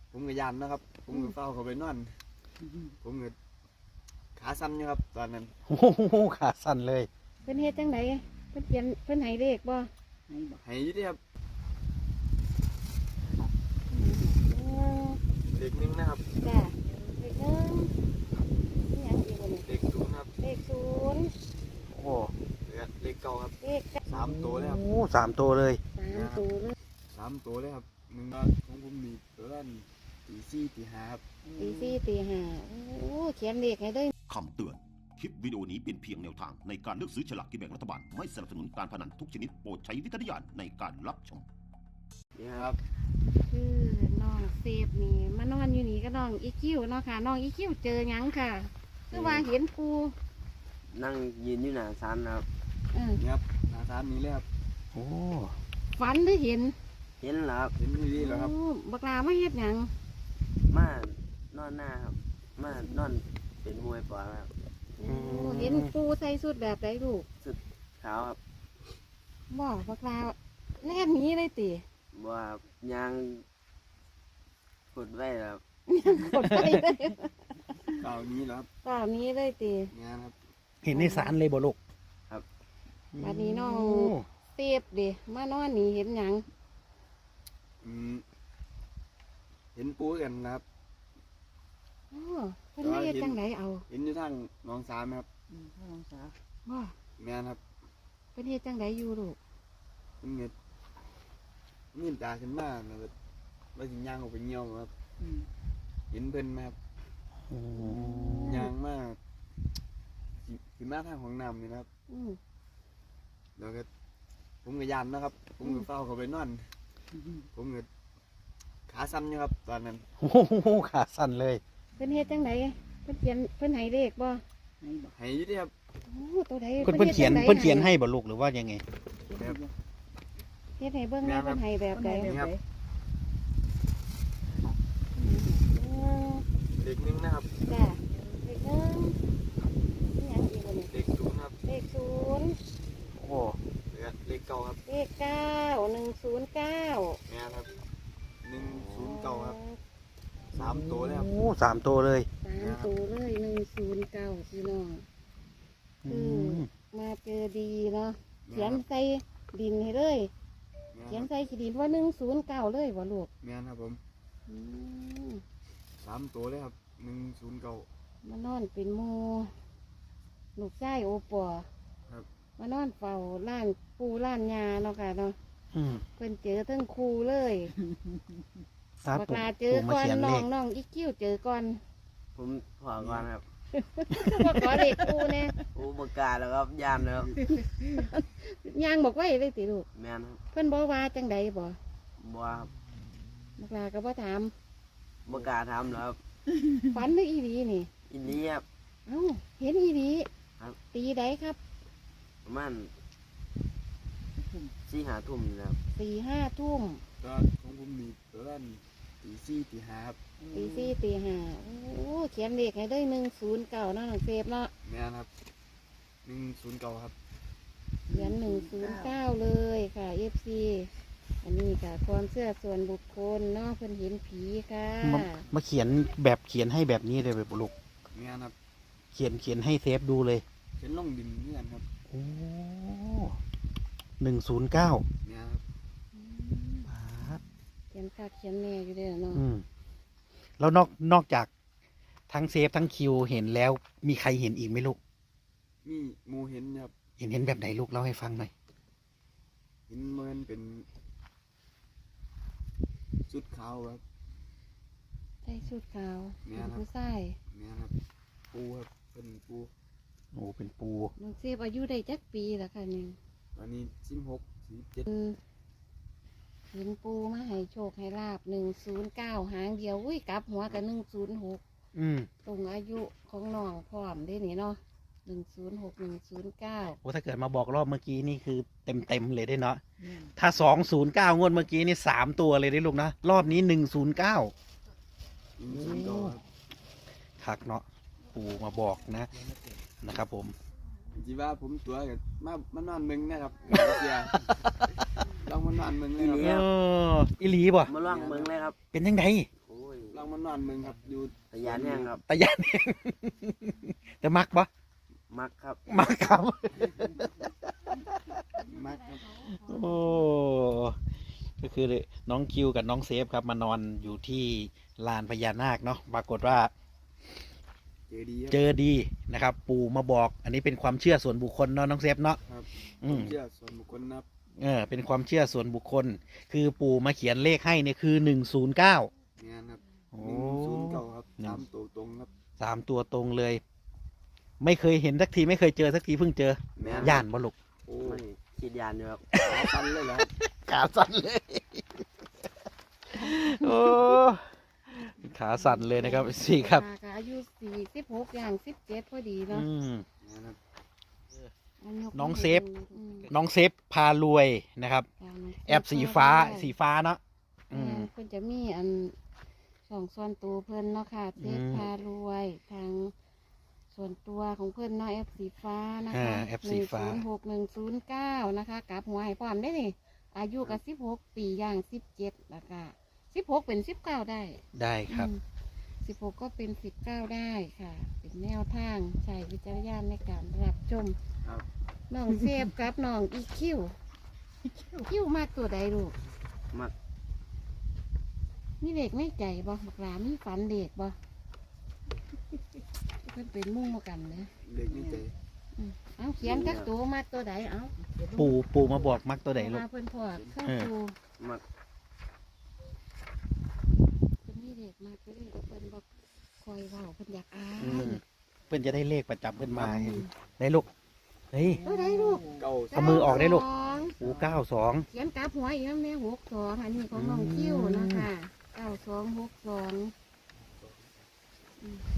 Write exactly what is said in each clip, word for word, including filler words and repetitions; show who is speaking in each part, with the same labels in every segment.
Speaker 1: ผมก็ยันนะครับผมก็เฝ้าเขาไปนอนผมก็ขาสั่นอยู่ครับตอนนั้น
Speaker 2: โอ้โหขาสั่นเลย
Speaker 3: เพิ่นเฮ็ดจังไดเพิ่นเขียนเพิ่นให้เลขบ่
Speaker 1: ให้อยี่ที่ครับ
Speaker 3: โอ้
Speaker 1: เด็กหนึงนะครับ
Speaker 3: จ้ะเลขหนึ่งนี่หยังอีกบ่นี่
Speaker 1: เด็กศูนย์ครับ
Speaker 3: เลขศูนย์
Speaker 2: โอ้
Speaker 1: แล้วเด็กเก่าครับ
Speaker 3: เลข
Speaker 1: สามตัวเลยครับ
Speaker 2: โอ้สามตัวเลย
Speaker 3: สามตัวเลย
Speaker 1: สามตัวเลยครับหนึ่งของผมมีตัวละตีสี่ตีห้าครับ
Speaker 3: ตีสี่ตีห้าโอ้เขียนเลขให้เลย
Speaker 4: คำเตือน คลิปวิดีโอนี้เป็นเพียงแนวทางในการเลือกซื้อฉลากกินแบ่งรัฐบาล ไม่สนับสนุนการพนันทุกชนิดโปรดใช้วิจารณญาณในการรับชม
Speaker 1: นี่ครับ
Speaker 3: คือน้องเซฟนี่มานอนอยู่นี่ก็น้องอีคิวเนาะค่ะน้องอีคิวเจอหยังค่ะคือว่าเห็นปู
Speaker 5: นั่งยืนอยู่หน้าศาลนะครับ
Speaker 3: เออ
Speaker 1: นี่ครับหน้าศาลนี้เลยครับ
Speaker 2: โอ้
Speaker 3: ฝันหรือเห็น
Speaker 5: เห็นแล้วครับ
Speaker 1: เห็นที่นี่แล้วครับ
Speaker 3: โอ้บักลาไม่เฮ็ดหยัง
Speaker 5: มานอนหน้าครับ มานอนเป็นมวยปอครับ
Speaker 3: โอ้เห็นปูใส่สุดแบบไรลูก
Speaker 5: ขาวครับ
Speaker 3: บ่บักลาแล่นหนี้เลยติ
Speaker 5: บ่ว่าครับยางกดไว้ครับ
Speaker 3: กดไปเลย
Speaker 1: เก่านี้แล้วครับ
Speaker 3: เปล่านี้เลยติ
Speaker 1: งานครับ
Speaker 2: เห็นในสารเลยบ่ลูก
Speaker 3: บัดนี้น้อง
Speaker 2: โ
Speaker 3: เซฟเดิมานอนนี่เห็นหยัง
Speaker 1: อืมเห็นปูกันนะครับ
Speaker 3: โอ้เพิ่นไม่เฮ็ดจังไดเอา
Speaker 1: เห็นอยู่ทางหน้องสามครับ
Speaker 3: บ่
Speaker 1: แม่นครับ
Speaker 3: เพิ่นเฮ็ดจังไดอยู่ลูก
Speaker 1: มันเงิดมีตาขึ้นมาแล้วก็ว่าสิย่างออกไปเงี้ยวครับเห็นเพิ่นไหมครับ
Speaker 2: โอ้
Speaker 1: ย่างมากขึ้นมาทางของน้ำนี่นะครับ
Speaker 3: อืม
Speaker 1: แล้วก็ผมก็ยันนะครับ ผมก็เฝ้าเขาไปนอนผมก็ขาสั่นอยู่ครับตอนนั้น
Speaker 2: โอ้โหขาสั่นเลย
Speaker 3: เพิ่นเฮ็ดจังไดเพิ่นเขียนเพิ่นให้เลขบ่
Speaker 1: ให้อยี่ที่ครับ
Speaker 3: โอ้ตัวใด
Speaker 2: เพิ่นเพิ่นเขียน
Speaker 3: ฮ็ดจั่งใด
Speaker 2: เพิ่นเขียนให้บ่ลูกหรือว่ายังไง
Speaker 1: แบบ
Speaker 3: เฮ็ดให้เบิ่งแม่เพิ่นให้แบบใด
Speaker 1: นี้ครับ
Speaker 3: โอ้
Speaker 1: เด็กหนึงนะครับ
Speaker 3: จ้ะเลขหนึ่งนี่หยังอีกบ่นี่
Speaker 1: เด็กศูนย์ครับ
Speaker 3: เลขศูนย์
Speaker 2: โอ้
Speaker 1: แล้วเด็กเก่าครับ
Speaker 3: เลขเก้าหนึ่งศูนย์เก้า
Speaker 1: แม่นครับหนึ่งศูนย์เก่าครับสามตัวเลยครับ
Speaker 2: โอ้สามตัวเลย
Speaker 3: สามตัวเลยหนึ่งศูนย์เก้าพี่น้อง
Speaker 2: อืม
Speaker 3: มาเจอดีเนาะเขียนใส่ดินให้เลย
Speaker 1: แม่
Speaker 3: เขียน
Speaker 1: นครับ
Speaker 3: ใส่ขีดินว่าหนึ่งศูนย์เก้าเลยบ่ลูก
Speaker 1: แม่นครับผม
Speaker 3: อืม
Speaker 1: สามตัวเลยครับหนึ่งศูนย์เก่าม
Speaker 3: านอนเป็นหมูลูกชายโอปอ
Speaker 1: ครับ
Speaker 3: มานอนเฝ้าล้านปูล้านยาเนาะค่ะเนาะ
Speaker 2: อืม
Speaker 3: เพิ่นเจอทั้งครูเลย
Speaker 2: ตา
Speaker 3: บัก
Speaker 2: ปู่
Speaker 3: ลาเจอ
Speaker 2: ปู่มา
Speaker 3: ก่อน
Speaker 2: เขียน
Speaker 3: น้
Speaker 2: เล
Speaker 3: อง
Speaker 2: ข
Speaker 3: น้องอีกิ้วเจอก่อน
Speaker 5: ผมขอก่อนครับ
Speaker 3: ว่าขอเด็กครูเนี่ย
Speaker 5: อุปการแล้วครับยานแล้วครับ
Speaker 3: ยางบอกไว้เลยติลูก
Speaker 5: แม่นครับ
Speaker 3: เพิ่นบอกว่าจังใดบ่
Speaker 5: บ่ว่าครับ
Speaker 3: บักลาก็บ่ถาม
Speaker 5: บ่กล้าทำแล้วครับ
Speaker 3: ฝันหรืออีหลีนี่
Speaker 5: อินนี้ครับ
Speaker 3: เอ้าเห็นอีหลี
Speaker 5: ครับ
Speaker 3: ตีใดครับ
Speaker 5: ประมาณสี่หาทุ่มนี่แหล้ว
Speaker 3: สี่ห้าทุ่ม
Speaker 1: ก็ของผมมีตัวละตีสี่ตีห้าครับ
Speaker 3: ตีสี่ตีห้าโอ้เขียนเลขให้ได้หนึ่งศูนย์เก้าเนาะน้องเซฟเนาะ
Speaker 1: แม่นครับหนึ่งศูนย์เก่าครับ
Speaker 3: เขียนหนึ่งศูนย์เก้าเลยค่ะเอฟซีอันนี้ค่ะความเชื่อส่วนบุคคลเนาะเพิ่นเห็นผีค่ะ
Speaker 2: มามาเขียนแบบเขียนให้แบบนี้เลยบ่ลูก
Speaker 1: แม่นครับ
Speaker 2: เขียนเขียนให้เซฟดูเลย
Speaker 1: เห็นลงดินนี่กันครับ
Speaker 2: โอ้หนึ่งศูนย์เก้า
Speaker 1: แม่นครับ
Speaker 3: เขียนคักเขียนแน่อยู่เด้อเนาะ
Speaker 2: อืมแล้วนอกนอกจากทั้งเซฟทั้งคิวเห็นแล้ว มีใครเห็นอีกไหมลูก
Speaker 1: มีหมูเห็นครับ
Speaker 2: เห็นเห็นแบบไหนลูกเล่าให้ฟังหน่อย
Speaker 1: เห็นเหมือนเป็นชุดขาวครับ
Speaker 3: ใส่ชุดขาว
Speaker 1: แม่
Speaker 3: เป็น
Speaker 1: นครับ
Speaker 3: ผู้ชาย
Speaker 1: แม่นครับปูครับเป็นปู
Speaker 2: โอ้เป็นปู
Speaker 3: น้องเซฟอายุได้จักปีแล้วค่ะนี่
Speaker 1: ตอนนี้สิบหกสิบเจ็ด
Speaker 3: เห็นปูมาให้โชคให้ลาบหนึ่งศูนย์เก้าหางเดียวอุ้ยกลับหัวกับหนึ่งศูนย์หก
Speaker 2: อืม
Speaker 3: ตรงอายุของน้องพร้อมได้นี่เนาะหนึ่งศูนย์หกหนึ่งศูนย์เก้า
Speaker 2: โอ้ถ้าเกิดมาบอกรอบเมื่อกี้นี่คือเต็มเต็มๆเลยได้เนาะถ้าสองศูนย์เก้างวดเมื่อกี้นี่สามตัวเลยได้ลูกนะรอบนี้หนึ่งศูนย์เก้า
Speaker 1: หนึ่งศูนย์เก่าครับ
Speaker 2: ทักเนาะปูมาบอกนะนะครับผม
Speaker 1: จีว่าผมตัวกับมามานอนเมืองนะครับเสียลองมานอนเมืองเลยค
Speaker 2: เอ
Speaker 1: รับ
Speaker 2: ออิลีบ่
Speaker 5: มาล่องเมืองเลยครับ
Speaker 2: เป็นยังไง
Speaker 5: โอ้ย
Speaker 1: มานอนเมืองครับอยู่
Speaker 5: ตะยานแห้งครับ
Speaker 2: ตะยานเอง แต่มักปะ
Speaker 5: มักครับ
Speaker 2: มักครับ
Speaker 1: มากครับ
Speaker 2: โอ้ก็คือน้องคิวกับน้องเซฟครับมานอนอยู่ที่ลานพญานาคเนาะปรากฏว่า
Speaker 1: เจอดีครับ
Speaker 2: เจอดีนะครับ ปู่มาบอก อันนี้เป็นความเชื่อส่วนบุคคลเนาะน้องเซฟเนาะ
Speaker 1: ครับ
Speaker 2: อืม
Speaker 1: เชื่อส่วนบุคคลนะครับ
Speaker 2: เออเป็นความเชื่อส่วนบุคคล คือปู่มาเขียนเลขให้เนี่ยคือหนึ่งศูนย์เก้า
Speaker 1: งานครับ
Speaker 2: โอ้
Speaker 1: หนึ่งศูนย์เก้าครับ
Speaker 2: หนึ่ง
Speaker 1: สามตัวตรงครับ
Speaker 2: สามตัวตรงเลย ไม่เคยเห็นสักทีไม่เคยเจอสักทีเพิ่งเจอ
Speaker 5: แม่
Speaker 2: ย่านบ่ลูก
Speaker 1: โอ้
Speaker 5: ไม่คิดยานอยู่ครับ
Speaker 1: ขาสั้นเลยเหรอครับ
Speaker 2: ขาสั่นเลย โอ้ขาสั่นเลยนะครับสี่ครับ
Speaker 3: ตาก็อายุสี่สิบหกอย่างสิบเจ็ดพอดีเนาะ
Speaker 2: อืม
Speaker 1: งานครับ
Speaker 3: อัยก
Speaker 2: น้องเซฟ
Speaker 3: อืม
Speaker 2: น้องเซฟพารวยนะครับ
Speaker 3: ค่ะน้งเซฟ
Speaker 2: แอบสีฟ้า
Speaker 3: ได้
Speaker 2: สีฟ้าเนาะอืม
Speaker 3: แม่เพิ่นจะมีอันสองส่วนตัวเพิ่นเนาะค่ะเซฟ
Speaker 2: อืม
Speaker 3: พารวยทางส่วนตัวของเพิ่นเนาะแอปสีฟ้านะ
Speaker 2: อ่า
Speaker 3: คะ
Speaker 2: แอปสีฟ้า
Speaker 3: หนึ่งศูนย์หกหนึ่งศูนย์เก้านะคะกลับหัวให้พร้อมได้นี่อายุกับสิบหกปีอย่างสิบเจ็ดแล้วก็สิบหกเป็นสิบเก้าได้
Speaker 2: ได้ครับ
Speaker 3: สิบหกก็เป็นสิบเก้าได้ค่ะ เป็นแนวทางใช้วิจารณญาณในการรับชม
Speaker 1: ครับ
Speaker 3: น้องเซฟกับน้องอีคิวคิวมากตัวใดลูก
Speaker 5: มัก
Speaker 3: มีเด็กไม่ใจบ่บักหลามีฝันเด็กบ่เพิ่นเป็นหมู่กันนะ
Speaker 1: เด็กนี่ใจ
Speaker 3: อืมเอาเขียนกักตัวมากตัวใดเอา
Speaker 2: ปู่ปู่มาบอกมักตัวไหนลูก
Speaker 3: มาเพิ่นพอเข้า
Speaker 2: เออ
Speaker 3: ตู
Speaker 5: มัก
Speaker 3: เพิ่นมีเด็กมากเลยเพิ่นบอกคอยเว้าเพิ่นอยากอ่า
Speaker 2: อืม
Speaker 3: น
Speaker 2: เพื่อนจะได้เลขประจำเพื่อนมาเห็นได้ลูกเฮ้ย
Speaker 3: ตัวใดลูก
Speaker 1: เก้า
Speaker 2: เอามือออกได้ลูก
Speaker 3: สอง
Speaker 2: ปู่เก้าสอง
Speaker 3: เขียนกลับหัวอีกแล้วแม่หกสองอันนี้ของน้องคิวนะคะเก้าสองหกสองอืม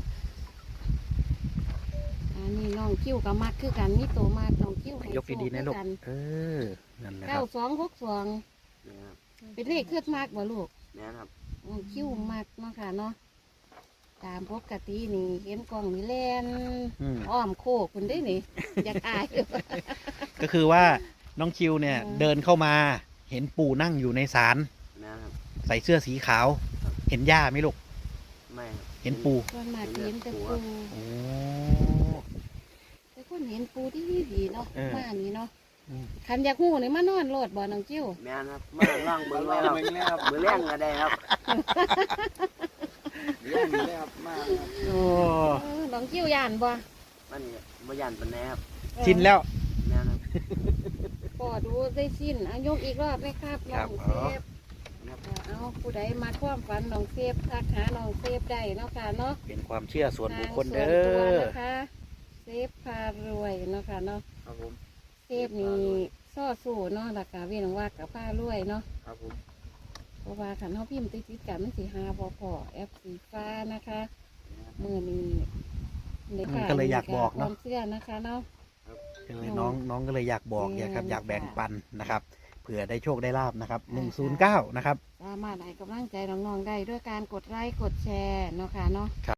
Speaker 3: อันนี้น้องคิวกับมักคือกันนี่โตมากน้องคิวให้
Speaker 2: ยกดีๆนะลูก
Speaker 3: โชค
Speaker 2: เออนั่นแหละค
Speaker 3: เก้า
Speaker 2: รับ
Speaker 3: สองหกสอง
Speaker 5: เนี่ยครับ
Speaker 3: เป็นเลขเคลื่อนมากบ่ลูก
Speaker 5: เนี่ยครับ
Speaker 3: น้องคิวมากเนาะค่ะเนาะตามปกตินี่เห็นกล้องนี่แล่น
Speaker 2: อืม
Speaker 3: อ้อมโคกคุณได้นี่ อยากอาย
Speaker 2: ก็คือว่าน้องคิวเนี่ย
Speaker 3: อืม
Speaker 2: เดินเข้ามาเห็นปู่นั่งอยู่ในศาล
Speaker 5: เนี่ยครับ
Speaker 2: ใส่เสื้อสีขาว เห็นย่าไหมลูก
Speaker 5: ไม่ครับ
Speaker 2: เห็นปู่
Speaker 3: ส่วนมากเห็นแต่ปู
Speaker 2: โอ้
Speaker 3: แต่คนเห็นปูที่นี่ดีเนาะ
Speaker 2: เออ
Speaker 3: มานี่เนาะ
Speaker 2: อืม
Speaker 3: คันอยากหูนี่มานอนโลดบ่น้องจิ้ว
Speaker 5: แม่นครับมาล่องเบิ่งไว้ครับ
Speaker 1: เบิ่งเลยครับ
Speaker 5: มือแรงก็ได้ครับ
Speaker 1: เรื่องนี้เลยครับมากครับ
Speaker 2: โอ้
Speaker 3: เออน้องจิ้วยานบ่
Speaker 5: มันบ่ยันปานใดครับ
Speaker 2: ชินแล้ว
Speaker 5: แม่นครับ
Speaker 3: ปอดูได้สิ้นอายกอีกรอบไหมครับ
Speaker 2: ค
Speaker 3: น้
Speaker 2: รั
Speaker 3: อบ งเซฟ
Speaker 1: ครับ
Speaker 3: อ่าเอาผู้ใดมาความฝันน้องเซฟทักหาน้องเซฟได้เนาะค่ะเนาะ
Speaker 2: เป็นความเชื่อส่วนบุคคล
Speaker 3: ทาง
Speaker 2: เด้
Speaker 3: ส่วนตัว
Speaker 2: อ
Speaker 3: นะคะเซฟพารวยเนาะค่ะเนาะ
Speaker 1: ครับผม
Speaker 3: เซฟนี่ซ่อสู้เนาะแล้วก็เวียนว่ากับผ้ารวยเนาะ
Speaker 1: ครับผม
Speaker 3: เพราะว่าขันเขาพิมพ์ติดติดกันมันสีหาพอพอแอปสีฟ้านะคะมือนี้ใน
Speaker 2: อืมก็เลยอยากบอกเนาะ
Speaker 3: ความเชื่อนะคะเนาะ
Speaker 2: ก็เลยน้องน้องก็เลยอยากบอก
Speaker 3: อืม
Speaker 2: อยากครับอยากแบ่ง
Speaker 3: ค่ะ
Speaker 2: ปันนะครับเผื่อได้โชคได้ลาบนะครับหนึ่ง
Speaker 3: ค่ะ
Speaker 2: ศูนย์เก้านะครับ
Speaker 3: สามารถให้กำลังใจน้องๆได้ด้วยการกดไลค์กดแชร์เนาะค่ะเนาะ